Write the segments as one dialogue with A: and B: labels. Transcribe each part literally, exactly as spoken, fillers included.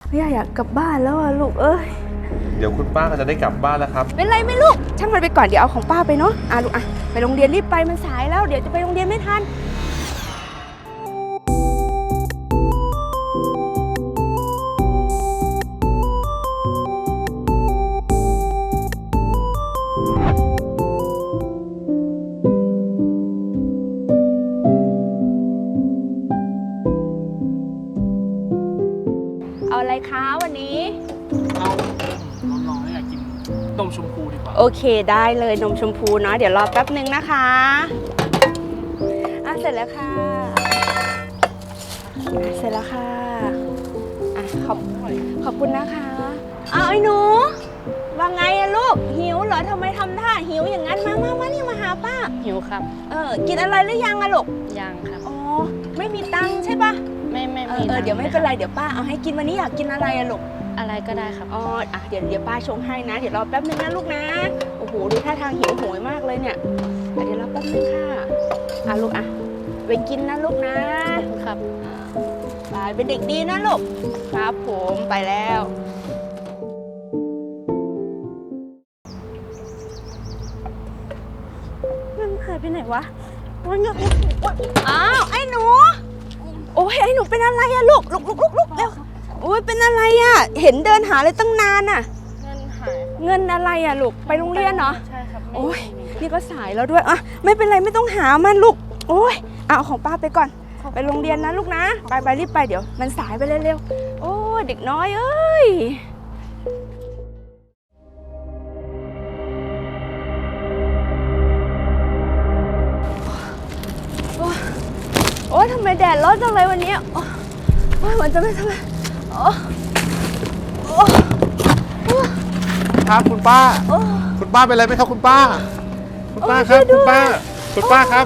A: ย่าอยากกลับบ้านแล้วอะลูกเอ้ย
B: เดี๋ยวคุณป้าก็จะได้กลับบ้านแล้วครับ
A: เป็นไรไหมลูกช่างมันไปก่อนเดี๋ยวเอาของป้าไปเนาะอ่ะลูกอ่ะไปโรงเรียนรีบไปมันสายแล้วเดี๋ยวจะไปโรงเรียนไม่ทันเอาอะไรคะวันนี้
C: เอาน้องๆอยากกินนมชมพูดีกว่า
A: โอเคได้เลยนมชมพูเนาะเดี๋ยวรอแป๊บนึงนะคะอ่ะเสร็จแล้วค่ะอ่ะเสร็จแล้วค่ะอ่ะขอบขอบคุณนะคะเอาไอ้หนูว่าไงอะลูกหิวเหรอทำไมทำท่าหิวอย่างนั้นมามามานี่มาหาป้า
D: หิวครับ
A: เออกินอะไรหรือยังอะลูก
D: ยังครับ
A: อ๋อไม่มีตังค์ใช่ปะ
D: ไม่ไม่
A: เอ
D: มี
A: อเออเดี๋ยวไม่เป็นไรเดี๋ยวป้าเอาให้กินวันนี้อยากกินอะไรอะลูก
D: อะไรก็ได้ครับ
A: อ๋ออ่ะเดี๋ยวเดี๋ยวป้าชงให้นะเดี๋ยวรอแป๊บนึงนะลูกนะโอ้โหดูท่าทางหิวโหยมากเลยเนี่ยเดี๋ยวรอแป๊บนึงค่ะอ่ะลูกอ่ะไปกินนะลูกนะครับไปเป็นเด็กดีนะลูกครับผมไปแล้วมันหายไปไหนวะมันอ้าวไอ้หนูโอ้ยไอ้หนูเป็นอะไรอะลูกลุกลุกลุกลุกเร็วโอ้ยเป็นอะไรอะเห็นเดินหาเลยตั้งนานอะ
D: เงินหาย
A: เงินอะไรอะลูกไปโรงเรียนเหรอ
D: ใช่ครับ
A: โอ้ยนี่ก็สายแล้วด้วยอะไม่เป็นไรไม่ต้องหามันลูกโอ้ยเอาของป้าไปก่อนไปโรงเรียนนะลูกนะไปไปรีบไปเดี๋ยวมันสายไปเร็วๆโอ้ยเด็กน้อยเอ้ยโอ้ยทำไมแดดร้อนจังเลยวันนี้โอ้ยมันจะไม่ทำไมโอ้โอ้
B: ครับคุณป้าคุณป้าเป็นอะไรไหมครับคุณป้าคุณป้าครับคุณป้าคุณป้าครับ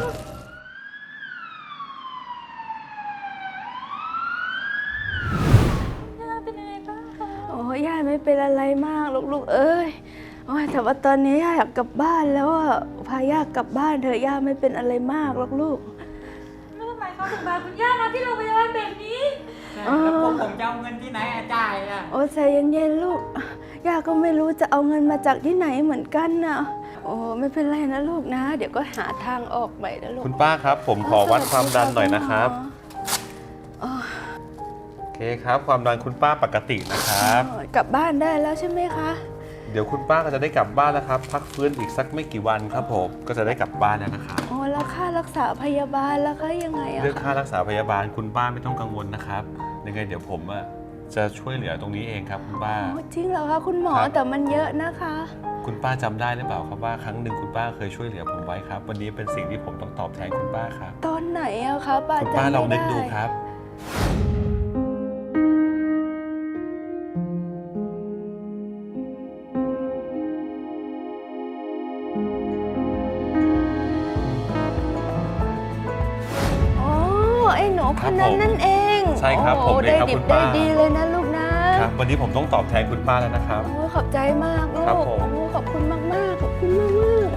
A: โอ้ยย่าไม่เป็นอะไรมากลูกๆเอ้ยโอ้ยแต่ว่าตอนนี้ย่าอยากกลับบ้านแล้วอ่ะพาย่ากลับบ้านเถอะย่าไม่เป็นอะไรมากลูก
E: ๆแล้วทำไมเขาถึงพาคุณย่ามาที่โรงพยาบาลแบบนี้
C: แล้วพวกผมจะเอาเงินที่ไหนจ่ายอ่ะ
A: โอ้ใจเย็นๆลูกย่าก็ไม่รู้จะเอาเงินมาจากที่ไหนเหมือนกันนะโอ้ไม่เป็นไรนะลูกนะเดี๋ยวก็หาทางออกไปนะลูก
B: คุณป้าครับผมขอวัดความดันหน่อยนะครับโอเคครับความดันคุณป้าปกตินะครับ
A: กลับบ้านได้แล้วใช่ไหมคะ
B: เดี๋ยวคุณป้าก็จะได้กลับบ้านแล้วครับพักฟื้นอีกสักไม่กี่วันครับผมก็จะได้กลับบ้านแล้วนะครับ
A: โอ้แล้วค่ารักษาพยาบาลแล้วก็ยังไงอะ
B: เรื่องค่ารักษาพยาบาลคุณป้าไม่ต้องกังวลนะครับยังไงเดี๋ยวผมอะจะช่วยเหลือตรงนี้เองครับคุณป้า
A: จริงเหรอคะคุณหมอแต่มันเยอะนะคะ
B: คุณป้าจำได้หรือเปล่าครับว่าครั้งหนึ่งคุณป้าเคยช่วยเหลือผมไว้ครับวันนี้เป็นสิ่งที่ผมต้องตอบแทนคุณป้าครับ
A: ตอนไหนอะคะป้า
B: คุณป้าลองนึกดูครับ
A: คนนั้นนั่นเอง
B: ใช่ครับผมเองครับคุณป้า
A: ได้ดีเลยนะลูกนะครับ
B: วันนี้ผมต้องตอบแทนคุณป้าแล้วนะครับ
A: โอ้ขอบใจมากลูก
B: ครับผม
A: ขอบคุณมากมากขอบคุณมากมาก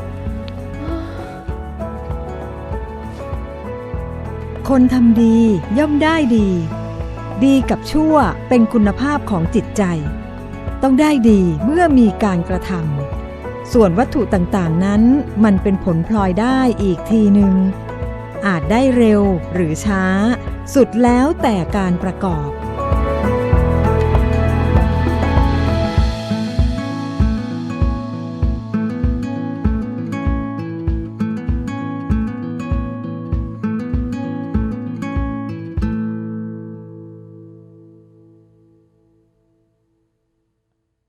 F: คนทำดีย่อมได้ดี ดีกับชั่วเป็นคุณภาพของจิตใจต้องได้ดีเมื่อมีการกระทำส่วนวัตถุต่างๆนั้นมันเป็นผลพลอยได้อีกทีหนึ่งอาจได้เร็วหรือช้าสุดแล้วแต่การประกอบ